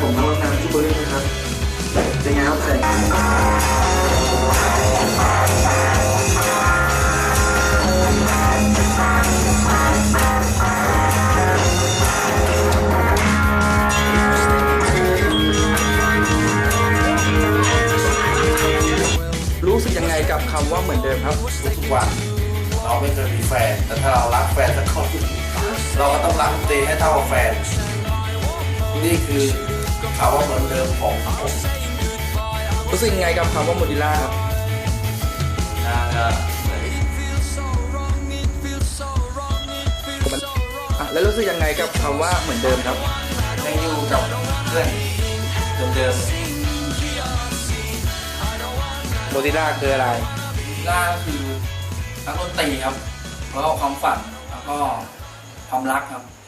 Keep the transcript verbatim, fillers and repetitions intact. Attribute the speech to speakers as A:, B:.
A: ผมมาร่วมงานที่เบอร์ลินนะครับเป็นไงครับแสงรู้สึกยังไงกับคำว่าเหมือนเดิมครับ
B: ทุกวันเราไม่เคยมีแฟนแต่ถ้าเรารักแฟนสักคนเราก็ต้องรักตัวเองให้เท่ากับแฟนนี่คือคำว่าเหมือนเดิมของผม
A: รู้สึกยังไงกับคำว่าโมดิล่าครับ
B: น่าจะ
A: อ่ะแล้วรู้สึกยังไงกับคำว่าเหมือนเดิมครับ
B: ยังอยู่กับเพื่อนเดิม
A: โมดิล่าคืออะไร
B: ๆล่าคือนักดนตรีครับแล้วก็ความฝันแล้วก็ความรักครับ